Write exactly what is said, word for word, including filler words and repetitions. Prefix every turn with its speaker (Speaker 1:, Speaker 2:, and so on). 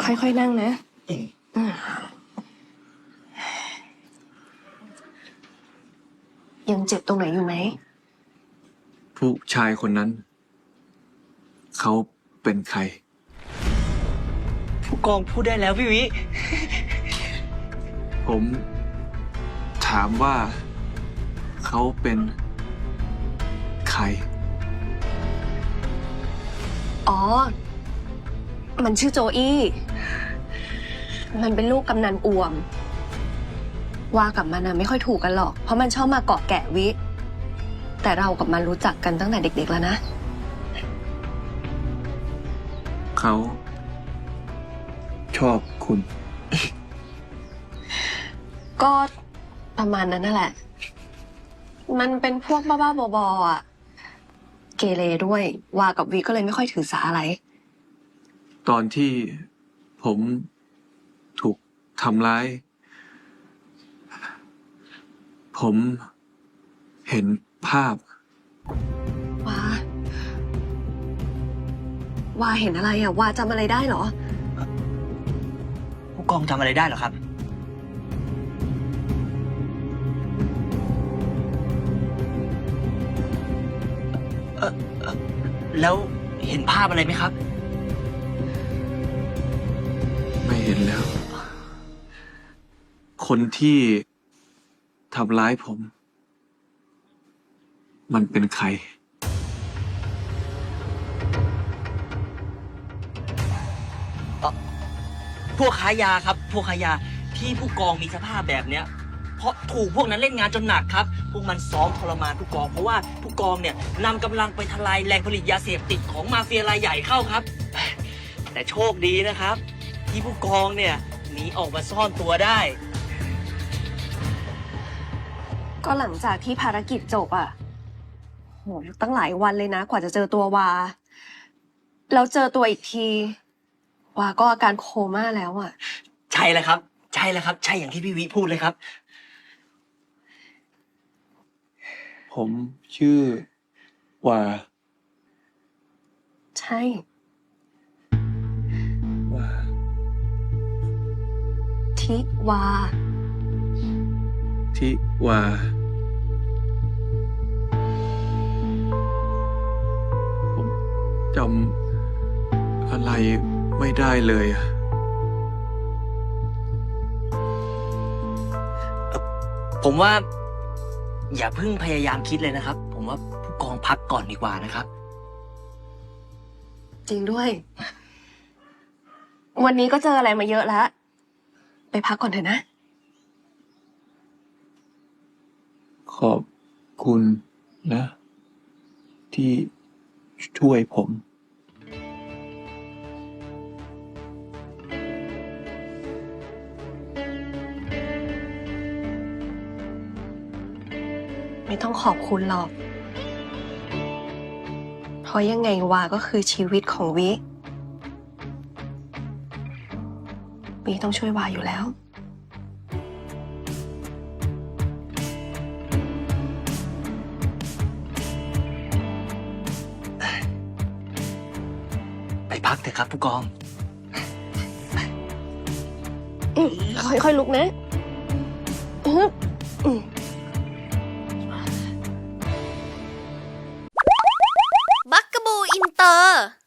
Speaker 1: ค่อยๆนั่งนะยังเจ็บตรงไหนอยู่ไหม
Speaker 2: ผู้ชายคนนั้นเขาเป็นใคร
Speaker 3: ผู้กองพูดได้แล้วพี่วิ
Speaker 2: ผมถามว่าเขาเป็นใคร
Speaker 1: อ๋อมันชื่อโจอี้มันเป็นลูกกำนันอ่วมว่ากับมันนะไม่ค่อยถูกกันหรอกเพราะมันชอบมาเกาะแกะวิแต่เรากับมันรู้จักกันตั้งแต่เด็กๆแล้วนะ
Speaker 2: เขาชอบคุณ
Speaker 1: ก็ประมาณนั้นนั่นแหละมันเป็นพวกบ้าๆบอๆอ่ะเกเรด้วยว่ากับวิก็เลยไม่ค่อยถือสาอะไร
Speaker 2: ตอนที่ผมถูกทำร้ายผมเห็นภาพ
Speaker 1: ว่าว่าเห็นอะไรอ่ะว่าจำอะไรได้เหรอ
Speaker 3: ผู้กองจำอะไรได้เหรอครับเออเออแล้วเห็นภาพอะไรไหมครับ
Speaker 2: ไม่เห็นแล้วคนที่ทำร้ายผมมันเป็นใคร
Speaker 3: พวกค้ายาครับพวกค้ายาที่ผู้กองมีสภาพแบบเนี้ยเพราะถูกพวกนั้นเล่นงานจนหนักครับพวกมันซ้อมทรมานผู้กองเพราะว่าผู้กองเนี่ยนำกำลังไปทลายแหล่งผลิตยาเสพติดของมาเฟียรายใหญ่เข้าครับแต่โชคดีนะครับที่ผู้กองเนี่ยหนีออกมาซ่อนตัวได้
Speaker 1: ก็หลังจากที่ภารกิจจบอ่ะโหตั้งหลายวันเลยนะกว่าจะเจอตัววาแล้วเจอตัวอีกทีวาก็อาการโคม่าแล้วอ่ะ
Speaker 3: ใช่แล้วครับใช่แล้วครับใช่อย่างที่พี่วิพูดเลยครับ
Speaker 2: ผมชื่อวา
Speaker 1: ใช่
Speaker 2: วา
Speaker 1: ทิวา
Speaker 2: ทิวาผมจำอะไรไม่ได้เลยอะ
Speaker 3: ผมว่าอย่าเพิ่งพยายามคิดเลยนะครับผมว่าผู้กองพักก่อนดีกว่านะครับ
Speaker 1: จริงด้วยวันนี้ก็เจออะไรมาเยอะแล้วไปพักก่อนเถอะนะ
Speaker 2: ขอบคุณนะที่ช่วยผม
Speaker 1: ไม่ต้องขอบคุณหรอกเพราะยังไงวาก็คือชีวิตของวิวิต้องช่วยวาอยู่แล้ว
Speaker 3: ไปพักเถอะครับผู้กอง
Speaker 1: ค่อยๆลุกนะ
Speaker 4: บักกะบูอินเตอร์